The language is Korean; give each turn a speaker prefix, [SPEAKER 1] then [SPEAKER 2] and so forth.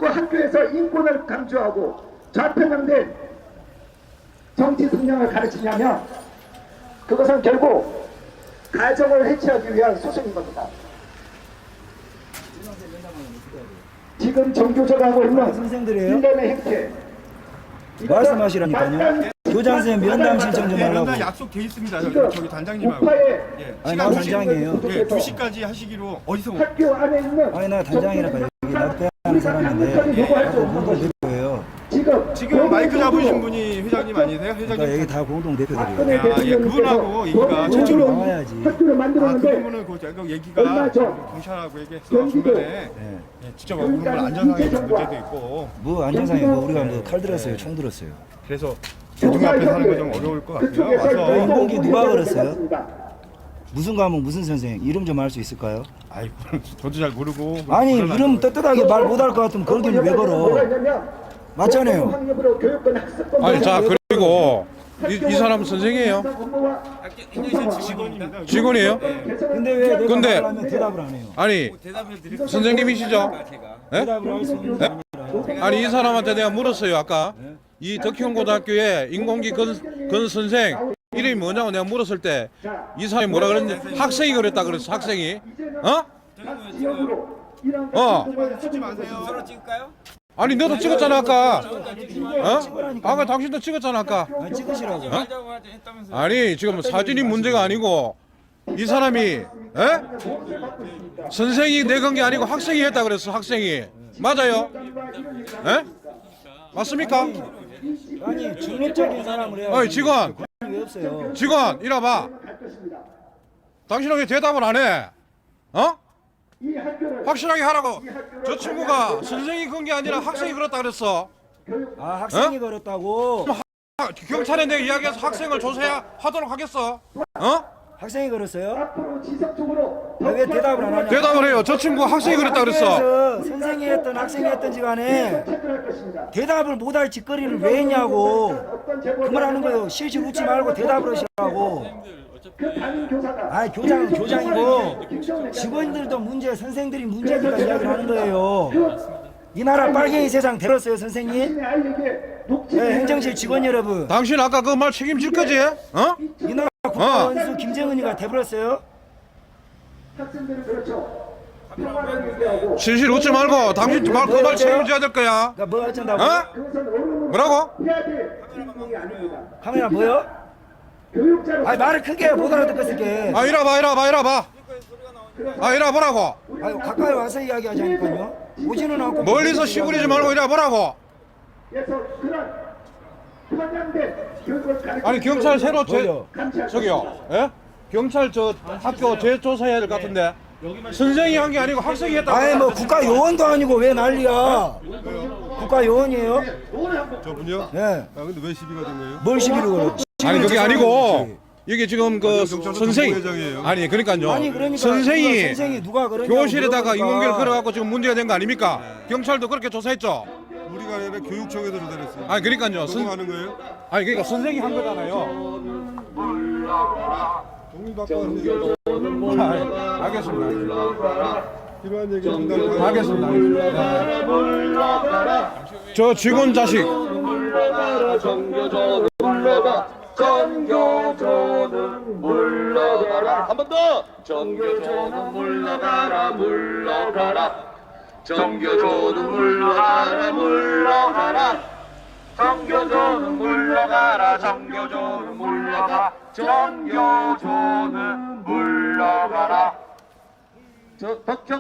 [SPEAKER 1] 그 학교에서 인권을 강조하고 좌편향된 정치 성향을 가르치냐면 그것은 결국 가정을 해체하기 위한 수순인 겁니다. 지금 정교조가 하고 있는
[SPEAKER 2] 선생들이에요?
[SPEAKER 1] 일련의 행태
[SPEAKER 2] 말씀하시라니까요. 교장선생님 면담 신청 좀 하려고.
[SPEAKER 3] 면담 약속돼 있습니다. 저기 단장님하고.
[SPEAKER 1] 우파의
[SPEAKER 3] 예.
[SPEAKER 2] 아니 나 단장이에요.
[SPEAKER 3] 예, 2시까지 하시기로 어디서
[SPEAKER 1] 학교 안에 있는
[SPEAKER 2] 아니 나 단장이라고 여기 납대하는 사람인데 공동 대표예요.
[SPEAKER 3] 지금 마이크 잡으신 분이 회장님 아니세요?
[SPEAKER 2] 그러니까
[SPEAKER 3] 회장님.
[SPEAKER 2] 여기 다 공동 대표들이에요.
[SPEAKER 1] 박근혜
[SPEAKER 3] 예, 그분하고 얘기가
[SPEAKER 2] 저쪽으로 나와야지.
[SPEAKER 1] 학교를 만들었는데
[SPEAKER 3] 그분은 그 얘기가 경찰하고 얘기했어 중간에.
[SPEAKER 2] 네.
[SPEAKER 3] 예, 직접 물론 안전상에 문제도 있고.
[SPEAKER 2] 뭐 안전상에 뭐 우리가 뭐 칼 들었어요, 총 들었어요.
[SPEAKER 3] 그래서 대중 앞에서 하는 거 좀 어려울 것 같고요. 와서
[SPEAKER 2] 인공기 누가 걸었어요? 무슨 과목 무슨 선생 이름 좀 알 수 있을까요?
[SPEAKER 3] 아이고 저도 잘 모르고.
[SPEAKER 2] 아니 이름 떳떳하게 말 못 할 것 같으면 걸기는 왜 걸어? 맞잖아요.
[SPEAKER 4] 아니 자 그리고 이 사람 선생이에요?
[SPEAKER 3] 직원입니다.
[SPEAKER 4] 직원이에요?
[SPEAKER 2] 근데 왜 내가
[SPEAKER 4] 근데-
[SPEAKER 2] 말을 하면 대답을 안 해요?
[SPEAKER 4] 아니 선생님이시죠? 예?
[SPEAKER 2] 대답을 할 수 있는 게 아니라.
[SPEAKER 4] 아니 이 사람한테 내가 물었어요 아까 이 덕현고등학교에 인공기 건 선생 이름이 뭐냐고 내가 물었을 때 이 사람이 뭐라 그랬는지 학생이 그랬다 그랬어 학생이 어?
[SPEAKER 3] 찍지 마세요.
[SPEAKER 4] 아니 너도 찍었잖아 아까 어? 아까 당신도 찍었잖아 아까
[SPEAKER 2] 아니 찍으시라고.
[SPEAKER 4] 아니 지금 사진이 문제가 아니고 이 사람이 에? 선생이 내건 게 아니고 학생이 했다 그랬어 학생이 맞아요? 에? 맞습니까?
[SPEAKER 2] 아니 중립적인 사람을 해야.
[SPEAKER 4] 어이 직원
[SPEAKER 2] 왜 없어요?
[SPEAKER 4] 직원 이리 와봐 당신은 왜 대답을 안 해? 어? 확실하게 하라고 저 친구가 선생이 건 게 아니라 학생이 그랬다 그랬어
[SPEAKER 2] 아 학생이 걸었다고?
[SPEAKER 4] 경찰에 내가 이야기해서 학생을 조사하도록 하겠어 어?
[SPEAKER 2] 학생이 걸었어요? 아, 왜 대답을 안 하냐?
[SPEAKER 4] 대답을 해요 저 친구 학생이 그랬다 그랬어
[SPEAKER 2] 학교에서 선생이 했던 학생이 했던지 간에 대답을 못할 짓거리를 왜 했냐고 그 말 하는 거예요. 실실 웃지 말고 대답을 하시라고. 아니 교장이고 직원들도 문제 선생들이 문제니까 이야기를 하는 거예요. 이 나라 빨갱이 세상 들었어요 선생님? 네, 행정실 직원 여러분
[SPEAKER 4] 당신 아까 그 말 책임질 거지? 어?
[SPEAKER 2] 이 나라 국가원수 김정은이가 돼버렸어요.
[SPEAKER 4] 실실 웃지 말고 당신 그 말 책임져야 될 거야
[SPEAKER 2] 그러니까 뭐 어쩐다고?
[SPEAKER 4] 어? 뭐라고?
[SPEAKER 2] 카메라 뭐요? 아니 말을 크게 못 알아듣겠을게.
[SPEAKER 4] 아 이리 와봐 아 이리 와보라고
[SPEAKER 2] 아유 가까이 와서 이야기하자니까요. 오지는 않고
[SPEAKER 4] 멀리서 시부리지 말고 이리 와보라고 아니 경찰 새로
[SPEAKER 2] 뭐요?
[SPEAKER 4] 저기요 예? 경찰 저 학교 재조사해야 될 것 같은데 선생이 한 게 아니고 학생이 했다고
[SPEAKER 2] 아니 뭐 국가 요원도 아니고 왜 난리야? 국가 요원이에요?
[SPEAKER 3] 저분요?
[SPEAKER 2] 예.
[SPEAKER 3] 아 근데 왜 시비가 된 거예요?
[SPEAKER 2] 뭘 시비를 걸어?
[SPEAKER 4] 아니 그게 아니고 이게 지금 그 선생이
[SPEAKER 3] 정보회장이에요.
[SPEAKER 4] 아니 그러니까요
[SPEAKER 2] 아니 그러니까
[SPEAKER 4] 선생이
[SPEAKER 2] 누가 그러냐고
[SPEAKER 4] 교실에다가
[SPEAKER 2] 물어보니까.
[SPEAKER 4] 인공기를 걸어갖고 지금 문제가 된 거 아닙니까? 경찰도 그렇게 조사했죠.
[SPEAKER 3] 우리가 아니라 교육청에서 조사했어요.
[SPEAKER 4] 아니 그러니까요.
[SPEAKER 3] 넘어가는 거예요?
[SPEAKER 4] 아니 그러니까 선생이 한 거잖아요.
[SPEAKER 3] 동의 바꿔.
[SPEAKER 4] 알겠습니다.
[SPEAKER 3] 필요한 얘기 전달.
[SPEAKER 4] 알겠습니다. 저 직원 자식.
[SPEAKER 5] 정교조는 물러가라. 한 번 더. 정교조는 물러가라. 정교조는 물러가라. 정교조는 물러가라. 정교조는 물러가라. 덕형